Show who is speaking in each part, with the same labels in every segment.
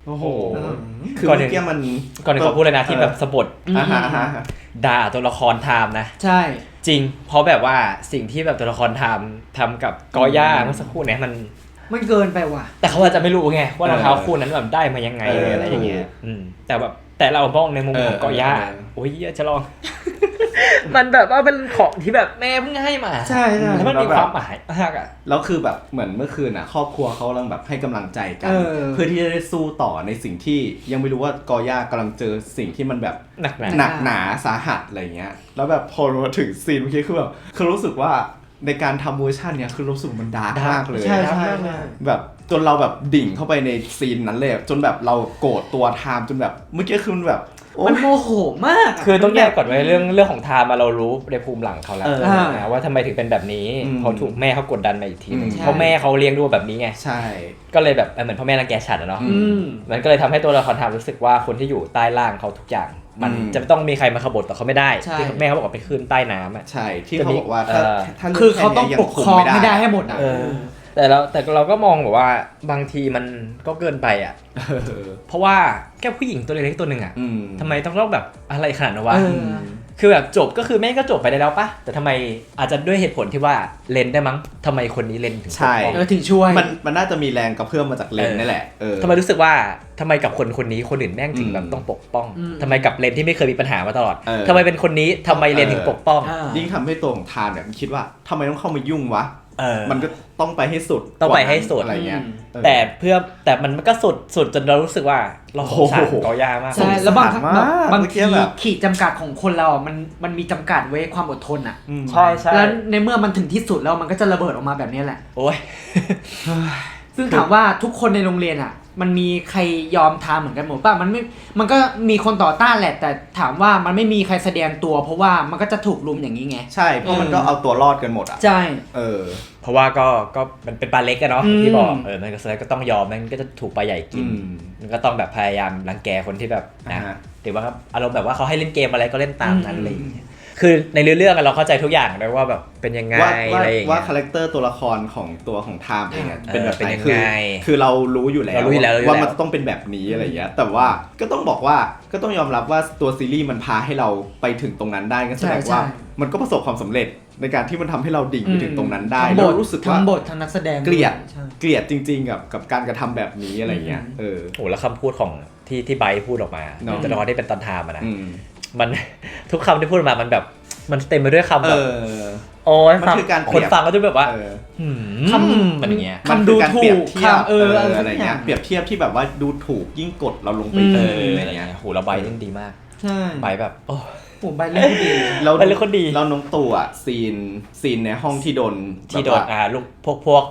Speaker 1: โอ้โห
Speaker 2: คือเมื่อกี้มัน
Speaker 1: ก่อนขอพูดเลยนะที่แบบสะบัดด่าตัวละครไทม์นะ
Speaker 3: ใช่
Speaker 1: จริงเพราะแบบว่าสิ่งที่แบบตัวละครไทม์ทำกับกอย่าเมื่อสักครู่เนี่ย
Speaker 3: มันเกินไปว่ะ
Speaker 1: แต่เขาอาจจะไม่รู้ไงว่ารองเท้าคู่นั้นแบบได้มายังไงอะไรอย่างเงี้ยแต่แบบแต่เรามองในมุมของกอย่าโอ้ยจะลองมันแบบว่าเป็นของที่แบบแม่เพิ่งให้มา
Speaker 3: ใช่
Speaker 1: แล้วมันมีความหมายมากอ่ะ
Speaker 2: แล้วคือแบบเหมือนเมื่อคืนอ่ะครอบครัวเขากำลังแบบให้กำลังใจกันเพื่อที่จะได้สู้ต่อในสิ่งที่ยังไม่รู้ว่ากอย่ากำลังเจอสิ่งที่มันแบบหนักหนาสาหัสอะไรเงี้ยแล้วแบบพอมาถึงซีนเมื่อกี้คือแบบคือรู้สึกว่าในการทำเวอร์ชันเนี้ยคือรู้สึกมันดาร์กมากเลย
Speaker 3: ใช่
Speaker 2: แบบจนเราแบบดิ่งเข้าไปในซีนนั้นเลยจนแบบเราโกรธตัวไทม์จนแบบเมื่อกี้คือมันแบบ
Speaker 3: มันโมโหมาก
Speaker 1: คือต้องแยกก่อนไว้เรื่องของไทม์มาเรารู้ในภูมิหลังเขาแล้วนะว่าทำไมถึงเป็นแบบนี้เขาถูกแม่เขากดดันมาอีกทีนึงเพราะแม่เขาเลี้ยงดูแบบนี้ไง
Speaker 2: ใช่
Speaker 1: ก็เลยแบบเหมือนพ่อแม่รังแกฉันอะเนาะมันก็เลยทำให้ตัวละครไทม์รู้สึกว่าคนที่อยู่ใต้ล่างเขาทุกอย่างมันจะไม่ต้องมีใครมาขบฏต่อเขาไม่ได้ที่แม่เขาบอกว่าไปขึ้นใต้น้ำอ่ะ
Speaker 2: ใช่ที่เขาบอกว่าถ้า
Speaker 3: คือเขาต้องปกครองไม่ได้ให้หมดอ่ะ
Speaker 1: แต่เราก็มองแบบว่าบางทีมันก็เกินไปอ่ะเพราะว่าแค่ผู้หญิงตัวเล็กๆตัวหนึ่งอ่ะทำไมต้องแบบอะไรขนาดนั้นวะคือแบบจบก็คือแม่ก็จบไปได้แล้วปะแต่ทำไมอาจจะด้วยเหตุผลที่ว่าเลนได้มั้งทำไมคนนี้เลนถึง
Speaker 2: ใช่
Speaker 3: ถึงช่วย
Speaker 2: มันน่าจะมีแรงกระเพื่อมมาจากเลนนี่แหละ
Speaker 1: ทำไมรู้สึกว่าทำไมกับคนนี้คนอื่นแม่งถึงแบบต้องปกป้องทำไมกับเลนที่ไม่เคยมีปัญหามาตลอดทำไมเป็นคนนี้ทำไมเลนถึงปกป้อง
Speaker 2: ยิ่งทำให้ตัวของทานเนี่ยมันคิดว่าทำไมต้องเข้ามายุ่งวะมันก็ต้องไปให้สุด
Speaker 1: ต้องไปให้สุด
Speaker 2: อะไรเงี้ย
Speaker 1: แต่มันก็สุดจนเรารู้สึกว่าเราสงสารกอย่ามาก
Speaker 3: ใช่แล้วบางทีขีดจำกัดของคนเรามันมีจำกัดไว้ความอดทนอ่ะ
Speaker 1: ใช่
Speaker 3: แล้วในเมื่อมันถึงที่สุดแล้วมันก็จะระเบิดออกมาแบบนี้แหละ
Speaker 1: โอ้ย
Speaker 3: ซึ่งถามว่าทุกคนในโรงเรียนอ่ะมันมีใครยอมทำเหมือนกันหมดป่ะมันก็มีคนต่อต้านแหละแต่ถามว่ามันไม่มีใครแสดงตัวเพราะว่ามันก็จะถูกลุมอย่างนี้ไง
Speaker 2: ใช่เพราะมันก็เอาตัวรอดกันหมดอ่ะ
Speaker 3: ใช่
Speaker 1: เพราะว่าก็มันเป็นปลาเล็กกันเนาะที่บอกมันก็แสดงก็ต้องยอมมันก็จะถูกปลาใหญ่กินมันก็ต้องแบบพยายามรังแกคนที่แบบนะหรือว่าอารมณ์แบบว่าเขาให้เล่นเกมอะไรก็เล่นตามนั้นอะไรอย่างเงี้ยคือในเรื่องเราเข้าใจทุกอย่างเลยว่าแบบเป็นยังไงอะไรอย่างเงี้ย
Speaker 2: ว่าคาแรคเตอร์ตัวละครของตัวของไทม์เองเป็นแบบไหนคือเรารู้อยู่แล้วว่ามันต้องเป็นแบบนี้อะไรอย่างเงี้ยแต่ว่าก็ต้องบอกว่าก็ต้องยอมรับว่าตัวซีรีส์มันพาให้เราไปถึงตรงนั้นได้ก็แสดงว่ามันก็ประสบความสำเร็จในการที่มันทำให้เราดิ่งไปถึงตรงนั้นได้เรารู้สึกว่า
Speaker 3: ทั้งบททั้งนักแสดง
Speaker 2: เกลียดจริงๆกับการกระทำแบบนี้อะไรเงี้ย
Speaker 1: โอ้แล้วคำพูดของที่ไบร์ทพูดออกมาจะรอได้เป็นตอนไทม์นะมันทุกคำที่พูดมามันแบบมันเต็มไปด้วยคำแบบโอ้ย
Speaker 2: มันคือการ
Speaker 1: คนฟังก็จะแบบว่าคำมันเงี้ย
Speaker 2: มันดูถูกคำอะไรเงี้ยเปรียบเทียบที่แบบว่าดูถูกยิ่งกดเราลงไป
Speaker 1: อะไรเงี้ยโหเราใบเล่นดีมาก
Speaker 3: ใช่
Speaker 1: ใบแบบโอ้
Speaker 3: ผมใบเล่นดี
Speaker 1: เราเล่นคนดี
Speaker 2: เราน้องตู่อ่ะซีนในห้องที่โดน
Speaker 1: ลูกพวก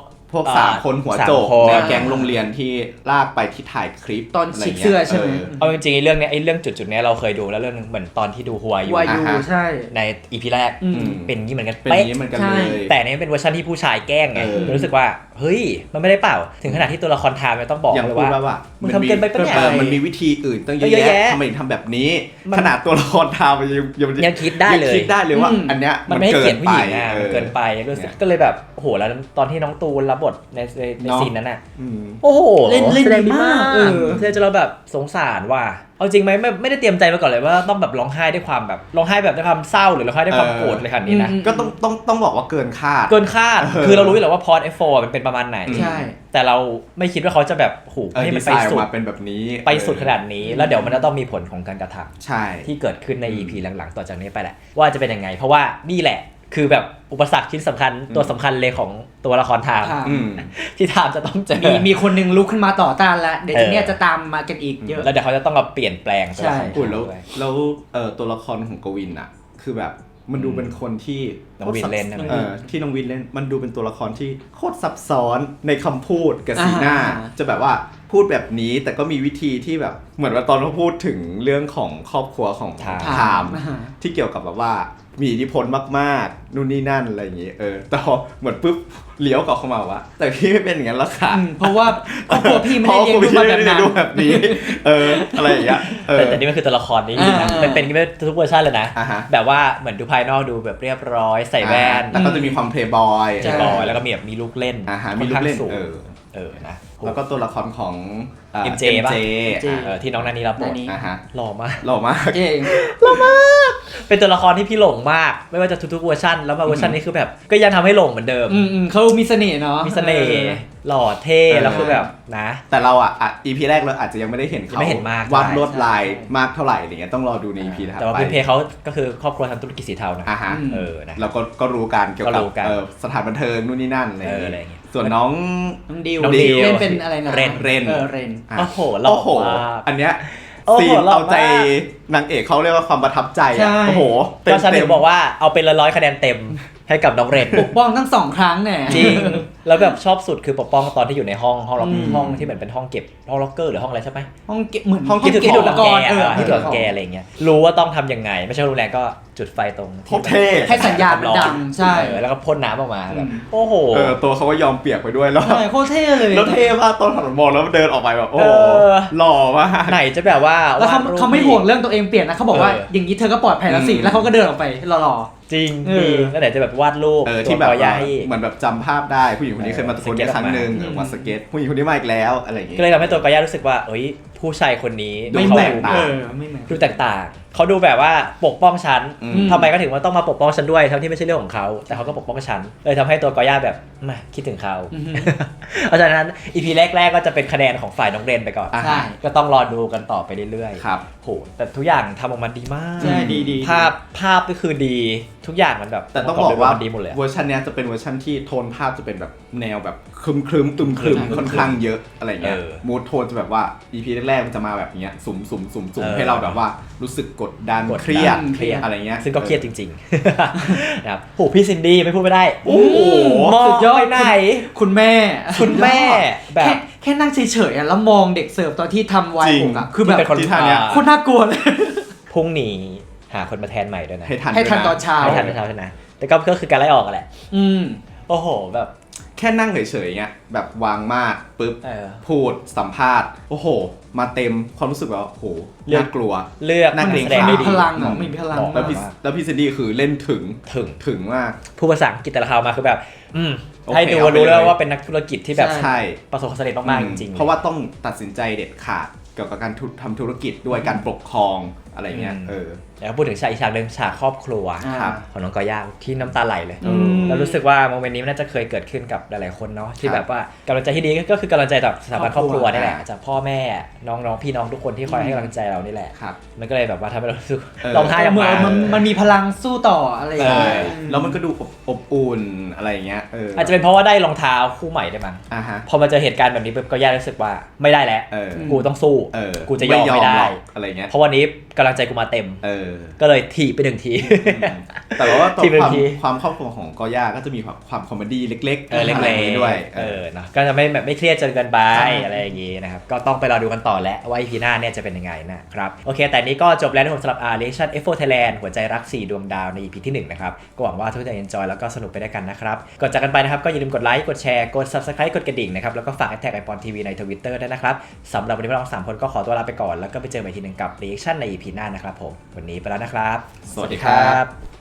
Speaker 2: 3 คนหัวโจกในแก๊งโรงเรียนที่ลากไปที่ถ่ายคลิป
Speaker 3: ตอนฉีกเสื้อใช่ไหม
Speaker 1: เอาจริงๆเรื่องจุดนี้เราเคยดูแล้วเรื่องนึงเหมือนตอนที่ดูหัวอยู่
Speaker 3: ใช่
Speaker 1: ใน EP แรกเป็นงี้เหมือนกัน
Speaker 2: เป๊ะ
Speaker 1: แต่นี่เป็นเวอร์ชันที่ผู้ชายแกล้งไงรู้สึกว่าเฮ้ยมันไม่ได้เปล่าถึงขนาดที่ตัวละครไทม์ต้องบอกเลยว่ามึงทำเกินไปปะเนี่ย
Speaker 2: มันมีวิธีอื่นตั้งเยอะแยะทำไมถึงทำแบบนี้ขนาดตัวละครไทม์
Speaker 1: ยังคิดได้เลย
Speaker 2: ว่าอันเนี้ย
Speaker 1: มันไม่เกลียดผู้หญิงเกินไปก็เลยแบบโหแล้วตอนที่น้องตูนรับบทในซีนนั้นน่ะโอ้โห
Speaker 3: เล่นดีมาก
Speaker 1: เธอจะเราแบบสงสารว่าเอาจริงไหมไม่ได้เตรียมใจมาก่อนเลยว่าต้องแบบร้องไห้ด้วยความแบบร้องไห้แบบด้วยความเศร้าหรือร้องไห้ด้วยความโกรธเลยขนาดนี้นะ
Speaker 2: ก็ต้องบอกว่าเกินคาด
Speaker 1: คือเรารู้อยู่แล้วว่าพอร์ต F4 มันเป็นประมาณไหน
Speaker 3: ใช่
Speaker 1: แต่เราไม่คิดว่าเขาจะแบบหูให้มันไปสุด
Speaker 2: เป็นแบบนี้
Speaker 1: ไปสุดขนาดนี้แล้วเดี๋ยวมันจะต้องมีผลของการกระท
Speaker 2: ำใช่
Speaker 1: ที่เกิดขึ้นใน EP หลังๆต่อจากนี้ไปแหละว่าจะเป็นยังไงเพราะว่านี่แหละคือแบบอุปสรรคชิ้นสำคัญตัวสำคัญเลยของตัวละครไทม์ที่ไทม์จะต้องเจอ
Speaker 3: มีคนนึงลุกขึ้นมาต่อต้านแล้วเดี๋ยวทีนี้จะตามมากันอีกเยอะ
Speaker 1: แล้วเดี๋ยวเขาจะต้องมาเปลี่ยนแปลง
Speaker 3: ใช่
Speaker 2: แล้วตัวละครของกวินอ่ะคือแบบมันดูเป็นคนที่
Speaker 1: น้องวินเล่น
Speaker 2: ที่น้องวินเล่นมันดูเป็นตัวละครที่โคตรซับซ้อนในคำพูดกับสีหน้าจะแบบว่าพูดแบบนี้แต่ก็มีวิธีที่แบบเหมือนว่าตอนเขาพูดถึงเรื่องของครอบครัวของไทม์ที่เกี่ยวกับแบบว่ามีอิทธิพลมากๆนู่นนี่นั่นอะไรอย่างงี้แต่พอเหมือนปุ๊บเลี้ยวกลับเข้ามาว่าแต่พี่ไม่เป็นอย่างนั้นแล้วค่ะ
Speaker 3: เพราะว่าครอบครัวพี่ไม่ได้เลี้ยง
Speaker 2: ดูแบบนี้อะไรอย่างเงี้ย
Speaker 1: แต่นี่มันคือตัวละครนี้นะเป็นทุกเวอร์ชันเลยนะแบบว่าเหมือนดูภายนอกดูแบบเรียบร้อยใส่แว่น
Speaker 2: แต่ก็จะมีความเพลย์บอย
Speaker 1: แล้วก็มีแบบมีลูกเล่น
Speaker 2: มีลูกเล่น
Speaker 1: นะ
Speaker 2: แล้วก็ตัวละครของ
Speaker 1: MJ ป่ะ
Speaker 3: MJ
Speaker 1: ที่น้องนานีรับบท
Speaker 3: นานี
Speaker 2: ฮะ
Speaker 1: หล่อมาก
Speaker 2: หล่อมาก
Speaker 3: เก่ง
Speaker 1: เป็นตัวละครที่พี่หลงมาก ไม่ว่าจะทุกๆเวอร์ชันแล้วมาเวอร์ชันนี้คือแบบก็ยังทำให้หลงเหมือนเดิม
Speaker 3: เขามีเสน่ห์เนาะ
Speaker 1: มีเสน่ห์หล่อเท่แล้วคือแบบนะ
Speaker 2: แต่เราEP แรกเราอาจจะยังไม่ได้เห็น
Speaker 1: ยัง
Speaker 2: เขา
Speaker 1: ไม่เห็นมาก
Speaker 2: วาด
Speaker 1: ใช่
Speaker 2: ลวดลายมากเท่าไหร่อะไรเงี้ยต้องรอดูใน EP ถัด
Speaker 1: แต่ว่า
Speaker 2: ไป
Speaker 1: พี่เพเขาก็คือครอบครัวทำธุรกิจสีเทานะ
Speaker 2: ฮะ
Speaker 1: นะ
Speaker 2: เราก็รู้การเกี่ยว
Speaker 1: ก็
Speaker 2: กับ
Speaker 1: รู้กัน
Speaker 2: สถานบันเทิงนู่นนี่นั่นอะไร
Speaker 1: อะไรอ
Speaker 2: เงี้
Speaker 1: ย่าง
Speaker 2: ย
Speaker 1: เงี้ย
Speaker 2: ส่วนน้อง
Speaker 3: ดิว
Speaker 1: น้องดิว
Speaker 3: เล่นเป็นอะไรนะ
Speaker 1: เรน
Speaker 2: เรน
Speaker 3: เรน
Speaker 2: อ่ะ
Speaker 1: โอ้โหหล่อ
Speaker 2: โอ้โห
Speaker 1: มาก
Speaker 2: อันเนี้ย
Speaker 1: โอ้โห
Speaker 2: ซีน
Speaker 1: หล่อ
Speaker 2: เอาใจ
Speaker 1: มาก
Speaker 2: นางเอกเขาเรียกว่าความประทับใจ
Speaker 3: ใช่
Speaker 2: อ่ะโอ้โห
Speaker 1: ก็ฉันถึงบอกว่าเอาเป็น100คะแนนเต็มให้กับน้องเรน
Speaker 3: ปกป้องทั้ง2 ครั้งเนี่ย
Speaker 1: จริง แล้วแบบชอบสุดคือปกป้องตอนที่อยู่ในห้องล็อก
Speaker 3: อืม
Speaker 1: ห้องที่เหมือนเป็นห้องเก็บห้องล็อกเกอร์หรือห้องอะไรใช่ไหม
Speaker 3: ห้องเก็บเหมือน
Speaker 2: ห้องเก็บ
Speaker 3: เก็บ
Speaker 2: ข
Speaker 3: อุ
Speaker 2: อง
Speaker 3: ปกรณ์
Speaker 1: ที่ตัวแกอะไรเงี้ยรู้ว่าต้องทำยังไง ไม่ใช่รุนแรงก็จุดไฟตรง
Speaker 2: โคตรเท่
Speaker 3: ให้สัญญาณมันดังใช่
Speaker 1: แล้วก็พ่นน้ำออกมาแบบ
Speaker 3: อืม
Speaker 1: โอ้โห
Speaker 2: ตัวเขาก็ยอมเปียกไปด้วยแล้ว
Speaker 3: ใช่โคตรเท่เลย
Speaker 2: แล้วเท่มากตอนถนนมองแล้วเดินออกไปแบบโอ้โห หล่อมาก
Speaker 1: ไหนจะแบบว่า
Speaker 3: แล้วเขา
Speaker 1: ดรูป
Speaker 3: เขาไม่ห่วงเรื่องตัวเองเปลี่ยนนะเขาบอกว่า อย่างนี้เธอก็ปลอดภัยแล้วสิ
Speaker 2: อืม
Speaker 3: แล้วเขาก็เดินออกไปหล่อ
Speaker 1: จริง
Speaker 3: เออ
Speaker 1: ดีแล้วไหนจะแบบวาดรูป
Speaker 2: ที่แบบ
Speaker 1: ตัว
Speaker 2: ว่า
Speaker 1: ให้
Speaker 2: เหมือนแบบจำภาพได้ผู้หญิงคนนี้เคยมาตะโกน
Speaker 1: สเก็ต
Speaker 2: ครั้งหนึ่ง
Speaker 1: ออกมา
Speaker 2: ว่าสเก็ตผู้หญิงคนนี้มาอีกแล้วอะไรอย่างงี้
Speaker 1: ก็เลยทำให้ตัวกอย่ารู้สึกว่าเอ้ยผู้ชายคนนี้
Speaker 3: ๆ
Speaker 2: ดู
Speaker 3: ไม่
Speaker 1: เขา
Speaker 3: เหมือน
Speaker 2: แตกต่าง
Speaker 3: ไม่เหมือน
Speaker 1: ดูแตกต่างเขาดูแบบว่าปกป้องฉัน
Speaker 2: อืม
Speaker 1: ทำไมก็ถึงว่าต้องมาปกป้องฉันด้วยทั้งที่ไม่ใช่เรื่องของเขาแต่เขาก็ปกป้องฉันเลยทำให้ตัวกอย่าแบบมาคิดถึงเขา
Speaker 3: อือฮึ
Speaker 1: เพราะฉะนั้นอีพีแรกๆก็จะเป็นคะแนนของฝ่ายน้องเรนไปก่อน
Speaker 2: อ่ะ
Speaker 3: ใช่
Speaker 1: ก็ต้องรอดูกันต่อไปเรื่อยๆ
Speaker 2: ครับ
Speaker 1: โหแต่ทุกอย่างทำออกมาดีมาก
Speaker 3: ใช่ดี
Speaker 1: ภาพก็คือดีทุกอย่างมันแบบ
Speaker 2: แต่ต้องบอกว่า
Speaker 1: มันดีหมดเลยอะ
Speaker 2: เวอร์ชันเนี้ยจะเป็นเวอร์ชันที่โทนภาพจะเป็นแบบแนวแบบครึมตึมครึมค่อนข้างเยอะอะไรเงี้ยมูดโทนจะแบบว่า EP แรกๆมันจะมาแบบเนี้ยสุ่มให้เราแบบว่ารู้สึกกดดันเครียด
Speaker 3: เครียด
Speaker 2: อะไรเงี้ย
Speaker 1: ซึ่งก็เครียดจริงๆ นะครับโหพี่ซินดี้ไม่พูดไม่ได้
Speaker 2: โอ้โห
Speaker 1: มอง
Speaker 3: สุดยอด
Speaker 1: ไปไหน
Speaker 3: คุณแม่
Speaker 1: คุณแม่แบบ
Speaker 3: แค่นั่งเฉยๆอะแล้วมองเด็กเสิร์ฟตอนที่ทำไวน์
Speaker 2: จริง
Speaker 3: ผมอะคือแบบ
Speaker 1: ที่เป็นคน
Speaker 2: ที่ท่าเนี้ย
Speaker 3: โคตรน่ากลัวเลย
Speaker 1: พรุ่งนี้หาคนมาแทนใหม่ด้วยนะ
Speaker 2: ให้ทัน
Speaker 3: ให้ทัน
Speaker 2: ด้วยะ
Speaker 3: ตอนเช้า
Speaker 1: ไม่ทันไม่ทันนะแต่ก็คือการไล่ออกอะแหละ
Speaker 3: อืม
Speaker 1: โอ้โหแบบ
Speaker 2: แค่นั่งเฉยๆเงี้ยแบบวางมาดปุ๊บ
Speaker 1: เออ
Speaker 2: พูดสัมภาษณ์โอ้โห มาเต็มความรู้สึกแบบว่าโอ้โห
Speaker 1: เรื่อง
Speaker 2: น่ากลัว
Speaker 1: เลือก
Speaker 2: นั่ง
Speaker 1: นัก
Speaker 2: เกรง
Speaker 1: แสดง
Speaker 2: ขาม
Speaker 1: ได้
Speaker 3: มี
Speaker 1: ดี
Speaker 3: พลังอะมีพลัง
Speaker 1: บอก
Speaker 2: แล้วพี่
Speaker 1: มาก
Speaker 2: แล้วพี่ซินดี้คือเล่นถึง
Speaker 1: ถึง
Speaker 2: มาก
Speaker 1: ผู้ภาษาอังกฤษแต่ละคำมาคือแบบ
Speaker 2: โอเค
Speaker 1: ให้ดู
Speaker 2: เอาไป
Speaker 1: รู้แล้ว
Speaker 2: เลย
Speaker 1: ว่าเป็นนักธุรกิจที่แบบ
Speaker 2: ใช่
Speaker 1: ประสบความสำเร็จมากๆจริงๆ
Speaker 2: เพราะว่าต้องตัดสินใจเด็ดขาดเกี่ยวกับการทำธุรกิจด้วยการปกครองอะไรเงี้ย
Speaker 1: แล้วพูดถึงฉากอีกฉากหนึ่งฉากครอบครัว
Speaker 3: ครับ
Speaker 1: ของน้องกอย่าที่น้ำตาไหลเลย
Speaker 3: อืม
Speaker 1: แล้วรู้สึกว่าโมเมนต์นี้มันน่าจะเคยเกิดขึ้นกับหลายๆคนเนาะที่แบบว่ากำลังใจที่ดีก็คือกำลังใจจากสถาบันครอบครัวนี่แหละจากพ่อแม่น้องๆพี่น้องทุกคนที่คอยให้กำลังใจเรานี่แหละ
Speaker 2: ครับ
Speaker 1: มันก็เลยแบบว่าทำให้เรารู้สึก
Speaker 2: เออ
Speaker 1: ร้องไห้ออก
Speaker 3: เหมือ
Speaker 1: มาน
Speaker 3: มันมีพลังสู้ต่ออะไรอย่าง
Speaker 2: ใช่
Speaker 3: เงี้ย
Speaker 2: แล้วมันก็ดูอบอุ่นอะไรเงี้ย
Speaker 1: อาจจะเป็นเพราะว่าได้รองเท้าคู่ใหม่ด้วยมั้ง
Speaker 2: อ่าฮะ
Speaker 1: พอมาเจอเหตุการณ์แบบนี้ปุ๊บก็ย่ารู้สึกว่าไม่ได้แล้ว
Speaker 2: เออ
Speaker 1: กูต้องสู้ กูจะยอมไม่ได้
Speaker 2: หรอกอะไรเงี้ย
Speaker 1: เพราะวันนี้กำลังใจกูมาเต็ม
Speaker 2: เ
Speaker 1: ก็เลยถีบไปหนึ่งที
Speaker 2: แต่ว่าตัว
Speaker 1: ที่เป็น
Speaker 2: ความ
Speaker 1: ที
Speaker 2: ความครอบครัวของกอย่าก็จะมีความคอมเมดี้เล็กๆ
Speaker 1: เล็ก
Speaker 2: อะไรอย่างงี้ด้วย
Speaker 1: เนาะก็จะไม่แบบไม่เครียดจนเกินไปอะไรอย่างงี้นะครับก็ต้องไปรอดูกันต่อแล้วว่า EP หน้าเนี่ยจะเป็นยังไงนะครับโอเคแต่นี้ก็จบแล้วนะครับสำหรับ Reaction F4 Thailand หัวใจรัก4ดวงดาวใน EP ที่1นะครับก็หวังว่าทุกคนจะ enjoy แล้วก็สนุกไปด้วยกันนะครับก่อนจากกันไปนะครับก็อย่าลืมกดไลค์กดแชร์กด Subscribe กดกระดิ่งนะครับแล้วก็ฝากแท็กไอปอนทีวีใน Twitter ด้วยนะครับสำหรับวันนี้พวกเรา3คนก็ขอตัวลาไปก่อนแล้วก็ไปเจอกันอีกทีหนึงกับ Reaction ใน EP หน้านะครับผมวันนี้ไปแล้วนะครับ
Speaker 2: สวัสดีครับ